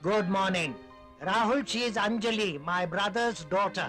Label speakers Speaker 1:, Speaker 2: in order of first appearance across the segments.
Speaker 1: Good morning. Rahul, she is Anjali, my brother's daughter.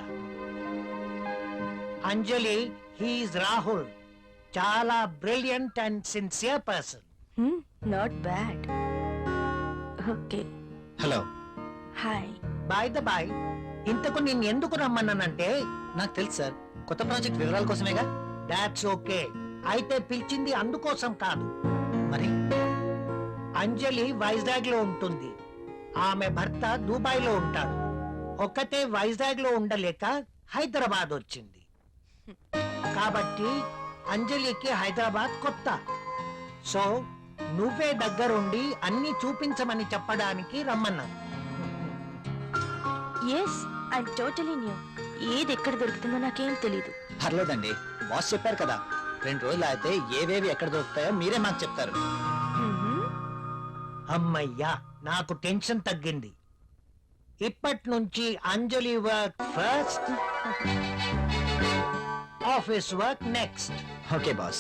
Speaker 1: Anjali, he is Rahul. Chala brilliant and sincere person.
Speaker 2: Not bad. Okay.
Speaker 3: Hello.
Speaker 2: Hi.
Speaker 1: By the by, ఇంతకు నేను ఎందుకు రమ్మన్నానంటే
Speaker 3: నాకు తెలుసు sir, కొత్త project వివరాల కోసమేగా.
Speaker 1: That's okay. అయితే పిలిచింది అందుకోసం కాదు.
Speaker 3: మరి
Speaker 1: అంజలి వైజాగ్ లో ఉంటుంది, ఆమె భర్త దుబాయ్ లో ఉంటాడు. ఒక్కతే వైజాగ్ లో ఉండలేక హైదరాబాద్ వచ్చింది. కాబట్టి అంజలికి హైదరాబాద్ కొత్త. సో నువ్వే దగ్గరుండి అన్ని చూపించమని చెప్పడానికి రమ్మన్నాను.
Speaker 2: Yes, I totally new. ఏది ఎక్కడ దొరుకుతుందో నాకేం తెలీదు.
Speaker 3: పర్లేదండి, బాస్ చెప్పారు కదా, 2 రోజులు అయితే ఏవేవి ఎక్కడ దొరుకుతాయో మీరే మాకు చెప్తారు.
Speaker 1: అమ్మయ్యా, నాకు టెన్షన్ తగ్గింది. ఇప్పటి నుంచి Anjali work first, office work next.
Speaker 3: Okay boss.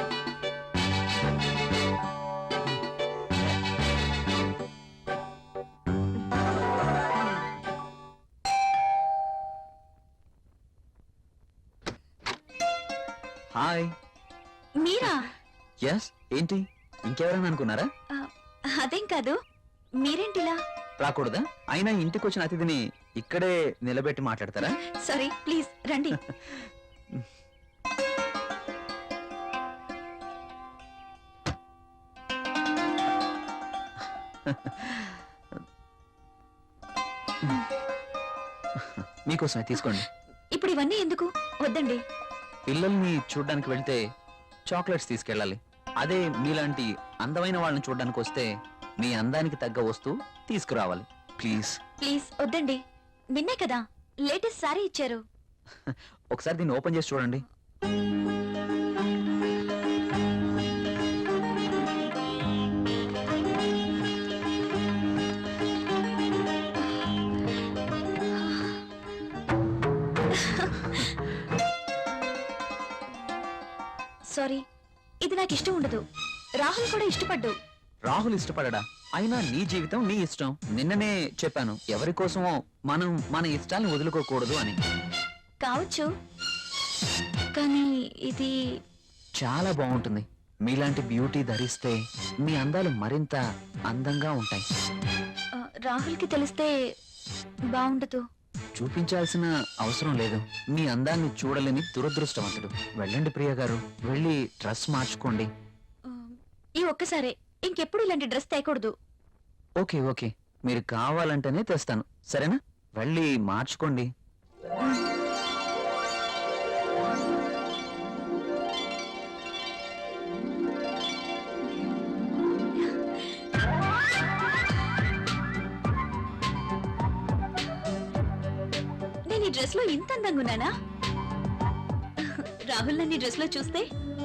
Speaker 3: Hi.
Speaker 2: మీరా?
Speaker 3: ఎస్. ఏంటి, ఇంకెవరైనా అనుకున్నారా?
Speaker 2: అదేం కాదు, మీరేంటిలా?
Speaker 3: రాకూడదా? అయినా ఇంటికి వచ్చిన అతిథిని ఇక్కడే నిలబెట్టి మాట్లాడతారా?
Speaker 2: సారీ, ప్లీజ్ రండి.
Speaker 3: మీకోసమే తీసుకోండి.
Speaker 2: ఇప్పుడు ఇవన్నీ ఎందుకు? వద్దండి.
Speaker 3: పిల్లల్ని చూడ్డానికి వెళ్తే చాక్లెట్స్ తీసుకెళ్ళాలి. అదే మీలాంటి అందమైన వాళ్ళని చూడ్డానికి వస్తే మీ అందానికి తగ్గ వస్తువు తీసుకురావాలి. ప్లీజ్
Speaker 2: ప్లీజ్ వద్దండి. నిన్నే కదా లేటెస్ట్ సారీ ఇచ్చారు.
Speaker 3: ఒకసారి దీన్ని ఓపెన్ చేసి చూడండి.
Speaker 2: సారీ, ఇది నాకు ఇష్టం ఉండదు. రాహుల్ కూడా ఇష్టపడ్డు.
Speaker 3: రాహుల్ ఇష్టపడడా? అయినా నీ జీవితం నీ ఇష్టం. నిన్ననే చెప్పాను, ఎవరి కోసమో మనం మన ఇష్టాలను వదులుకోకూడదు అని.
Speaker 2: కావచ్చు, కానీ ఇది
Speaker 3: చాలా బాగుంటుంది. మీలాంటి బ్యూటీ ధరిస్తే మీ అందాలు మరింత అందంగా ఉంటాయి.
Speaker 2: రాహుల్కి తెలిస్తే బాగుండదు.
Speaker 3: చూపించాల్సిన అవసరం లేదు. మీ అందాన్ని చూడలేని దురదృష్టవంతుడు. వెళ్ళండి ప్రియ గారు, వెళ్ళి డ్రెస్ మార్చుకోండి.
Speaker 2: ఈ ఒక్కసారే, ఇంకెప్పుడు ఇలాంటి డ్రెస్ తేకూడదు.
Speaker 3: ఓకే ఓకే, మీరు కావాలంటేనే తెస్తాను, సరేనా? వెళ్ళి మార్చుకోండి.
Speaker 2: నేను ఈ డ్రెస్ లో ఇంత అందంగా ఉన్నానా? రాహుల్ నన్ను ఈ డ్రెస్ లో చూస్తే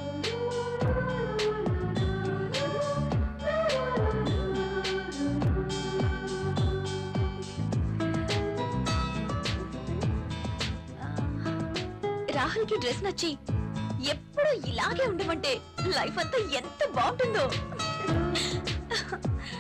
Speaker 2: రాహుల్ కి డ్రెస్ నచ్చి ఎప్పుడు ఇలాగే ఉండమంటే లైఫ్ అంతా ఎంత బాగుంటుందో.